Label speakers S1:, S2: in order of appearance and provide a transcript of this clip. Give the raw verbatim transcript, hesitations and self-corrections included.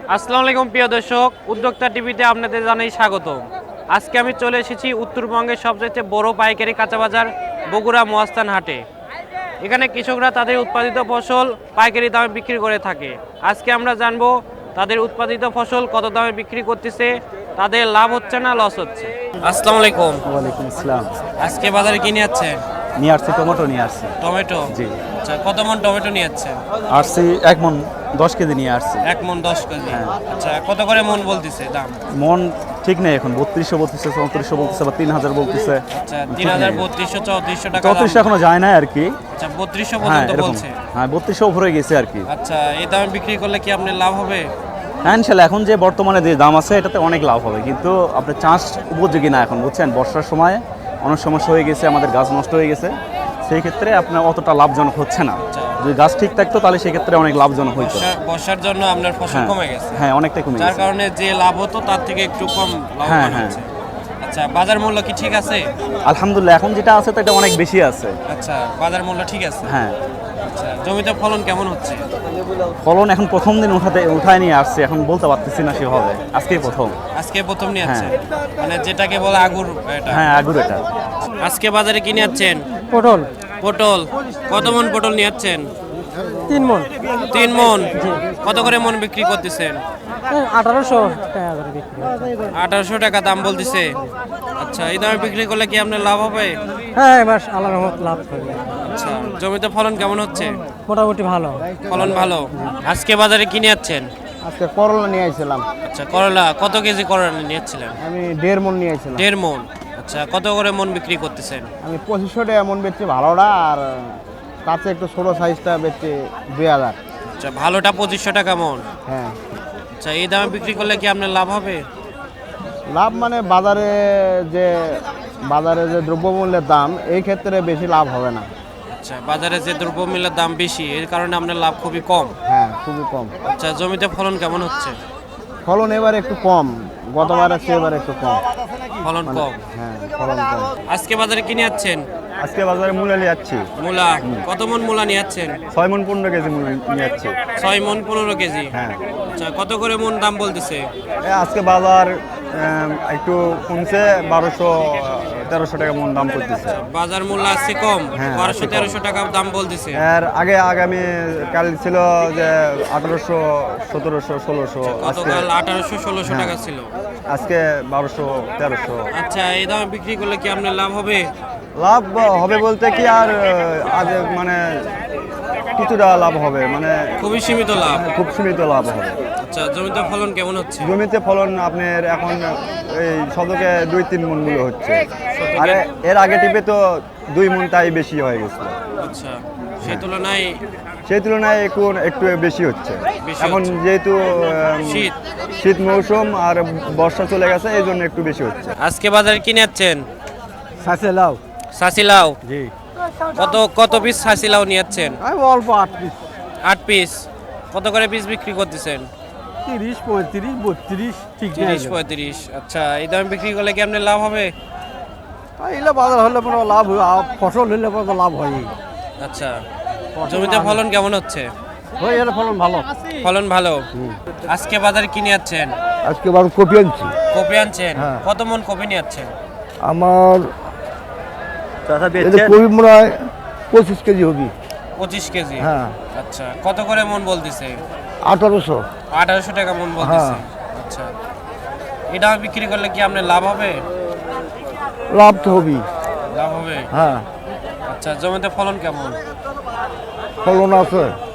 S1: আসসালামু আলাইকুম প্রিয় দর্শক, উদ্যোক্তা টিভিতে আপনাদের জানাই স্বাগত। আজকে আমি চলে এসেছি উত্তরবঙ্গের সবচেয়ে বড় পাইকারি কাঁচা বাজার বগুড়া মহাস্থান হাটে। এখানে কৃষকরা তাদের উৎপাদিত ফসল পাইকারি দামে বিক্রি করে থাকে। আজকে আমরা জানবো তাদের উৎপাদিত ফসল কত দামে বিক্রি করতেছে, তাদের লাভ হচ্ছে না লস হচ্ছে। আসসালামু আলাইকুম।
S2: ওয়ালাইকুম আসসালাম।
S1: আজকে বাজারে কি নিয়ে যাচ্ছেন?
S2: নিয়ে আসছি টমেটো নিয়ে আসছি।
S1: টমেটো?
S2: জি।
S1: আচ্ছা, কত মন টমেটো নিয়ে যাচ্ছেন?
S2: আসছি এক মন দশ কেজি নিয়ে আসছি।
S1: এক মন দশ কেজি।
S2: হ্যাঁ।
S1: আচ্ছা, কত করে মন বলতেছে দাম?
S2: মন ঠিক নেই এখন, বত্রিশশো বলতেছে, চৌত্রিশশো বলতেছে, বা তিন হাজার বলতেছে।
S1: আচ্ছা, তিন হাজার বত্রিশশো চৌত্রিশশো টাকা।
S2: চৌত্রিশশো এখনো যায় না আর কি।
S1: আচ্ছা, বত্রিশশো
S2: হ্যাঁ
S1: পর্যন্ত
S2: এরকম।
S1: বলছে।
S2: হ্যাঁ বত্রিশশো উপরে গেছে আর কি।
S1: আচ্ছা, এই দামে বিক্রি করলে কি আপনার লাভ হবে?
S2: হ্যাঁ ইনশাল্লাহ, এখন যে বর্তমানে যে দাম আছে এটাতে অনেক লাভ হবে, কিন্তু আপনার চাষ উপযোগী না এখন, বুঝছেন। বর্ষার সময় অনেক সমস্যা হয়ে গেছে, আমাদের গাছ নষ্ট হয়ে গেছে, সেই ক্ষেত্রে আপনার অতটা লাভজনক হচ্ছে না। যদি গাছ ঠিক থাকতো তাহলে সেক্ষেত্রে অনেক লাভজনক হইতো।
S1: বর্ষা- বর্ষার জন্য আপনার ফসল
S2: হ্যাঁ
S1: কমে গেছে,
S2: হ্যাঁ অনেকটাই কমে
S1: যার
S2: গেছে।
S1: কারণে যে লাভ হতো তার থেকে একটু কম লাভ
S2: হ্যাঁ, হ্যাঁ।
S1: হচ্ছে। আচ্ছা, বাজার মূল্য কি ঠিক আছে?
S2: আলহামদুলিল্লাহ এখন যেটা আছে তো এটা অনেক বেশি আছে।
S1: আচ্ছা, বাজার মূল্য ঠিক আছে।
S2: হ্যাঁ
S1: আচ্ছা, জমিতে ফলন কেমন হচ্ছে?
S2: ফলন এখন প্রথম দিন উঠাতে উঠায় নিয়ে আসছে, এখন বলতে পারতেছি না সেভাবে, আজকেই প্রথম।
S1: আজকে প্রথম নিয়ে যাচ্ছে, মানে যেটাকে বলে আগুর এটা।
S2: হ্যাঁ আগুর এটা।
S1: আজকে বাজারে কি নিয়ে যাচ্ছেন?
S3: পটল
S1: পটল? কত মন পটল নিয়ে যাচ্ছেন?
S3: তিন মন
S1: তিন মন। কত করে মন বিক্রি করতেছেন?
S3: আঠারোশো টাকা করে বিক্রি হয়।
S1: আঠারোশো টাকা দাম বলতেছে। আচ্ছা, এই দামে বিক্রি করলে কি আপনার লাভ হবে?
S3: হ্যাঁ এবার আল্লাহর রহমত লাভ করবে।
S1: আচ্ছা, জমিতে ফলন কেমন হচ্ছে?
S3: মোটামুটি ভালো।
S1: ফলন ভালো। আজকে বাজারে কিনে যাচ্ছেন?
S4: আজকে করলা নিয়ে আসছিলাম,
S1: আচ্ছা, করলা কত কেজি করলা নিয়ে যাচ্ছিলেন?
S4: আমি দেড় মন নিয়ে আসছিলাম।
S1: দেড় মন। আচ্ছা, কত করে মন বিক্রি করতেছেন?
S4: আমি পঁচিশশো টাকা মন বেচছি ভালোটা, আর কাছে একটু ছোটো সাইজটা বেচছি দুই হাজার।
S1: আচ্ছা, ভালোটা পঁচিশশো টাকা মন।
S4: হ্যাঁ
S1: আচ্ছা, এই দামে বিক্রি করলে কি আপনার লাভ হবে?
S4: লাভ মানে বাজারে যে বাজারে যে দ্রব্যমূল্যের দাম, এই ক্ষেত্রে বেশি লাভ হবে না।
S1: আচ্ছা, বাজারে যে দ্রব্যমূল্যের দাম বেশি, এর কারণে আপনার লাভ খুবই কম।
S4: হ্যাঁ খুবই কম।
S1: আচ্ছা, জমিতে ফলন কেমন হচ্ছে?
S4: ফলন এবার একটু কম, গতবার আছে এবার একটু কম।
S1: ফলন কম।
S4: হ্যাঁ ফলন কম।
S1: আজকে বাজারে কিনে যাচ্ছেন?
S2: আজকে বাজারে মূলা নিয়ে যাচ্ছি।
S1: মূলা? কত মন মূলা নিয়ে যাচ্ছেন?
S2: ছয় মন পনেরো কেজি মূলা নিয়ে যাচ্ছি।
S1: ছয় মন পনেরো কেজি।
S2: হ্যাঁ
S1: আচ্ছা, কত করে মন দাম বলতেছে?
S2: এ আজকে বাজার আম, একটু কমছে, বারোশো তেরোশো টাকা মন দাম করতেছে।
S1: বাজার মূল্য আছে কম,
S2: হ্যাঁ,
S1: বারোশো
S2: আছে কম।
S1: তেরোশো টাকা দাম বলতেছে।
S2: এর আগে আগামী কাল ছিল যে আঠারোশো সতেরোশো ষোলোশো, আজকে
S1: গতকাল আঠারোশো ষোলোশো
S2: হ্যাঁ।
S1: টাকা ছিল।
S2: আজকে বারোশো তেরোশো।
S1: আচ্ছা, এই দামে বিক্রি করলে কি আপনার লাভ হবে?
S2: লাভ হবে বলতে কি আর আজ মানে কিছুটা লাভ হবে, মানে
S1: খুবই সীমিত লাভ।
S2: খুব সীমিত লাভ হবে।
S1: আচ্ছা, জমিতে ফলন কেমন হচ্ছে?
S2: জমিতে ফলন আপনার এখন এই শতকে দুই তিন মন মূল্য হচ্ছে, আর এর আগে টিপে তো দুই মন তাই বেশি হয়ে গেছে।
S1: আচ্ছা, সেই তুলনায়
S2: সেই তুলনায় এখন একটু বেশি হচ্ছে।
S1: বেশি
S2: এখন
S1: হচ্ছে।
S2: যেহেতু আম,
S1: শীত।
S2: শীত মৌসুম আর বর্ষা চলে গেছে, এই জন্য একটু বেশি হচ্ছে।
S1: আজকে বাজারে কিনে যাচ্ছেন?
S4: সাথে লাউ।
S1: সাসিলাও?
S4: জি
S1: কত কত পিস সাসিলাও নিয়ে যাচ্ছেন?
S4: আমি অল্প আট পিস,
S1: আট পিস। কত করে পিস বিক্রি করতেছেন?
S4: তিরিশ পঁয়ত্রিশ বত্রিশ ঠিক
S1: তিরিশ পঁয়ত্রিশ। আচ্ছা, এই দামে বিক্রি করলে কি আপনার লাভ হবে?
S4: এগুলো বাজার হলে পরে লাভ হয়, আর ফসল হলে পরে লাভ হয়।
S1: আচ্ছা, জমিতে ফলন কেমন হচ্ছে?
S4: হয়ে গেলে ফলন ভালো।
S1: ফলন ভালো। আজকে বাজারে কিনে যাচ্ছেন?
S4: আজকে বার কপি আনছি।
S1: কপি আনছেন?
S4: হ্যাঁ।
S1: কত মন কপি নিয়ে যাচ্ছেন?
S4: আমার কপি মনে হয় পঁচিশ কেজি হবে।
S1: পঁচিশ কেজি।
S4: হ্যাঁ
S1: আচ্ছা, কত করে মন বলতেছে?
S4: আঠারোশো।
S1: আঠারোশো টাকা মন বলতেছে।
S4: হ্যাঁ।
S1: আচ্ছা, এটা বিক্রি করলে কি আপনার লাভ হবে?
S4: লাভ তো হবেই।
S1: লাভ হবে।
S4: হ্যাঁ
S1: আচ্ছা, জমিতে ফলন কেমন?
S4: ফলন আছে।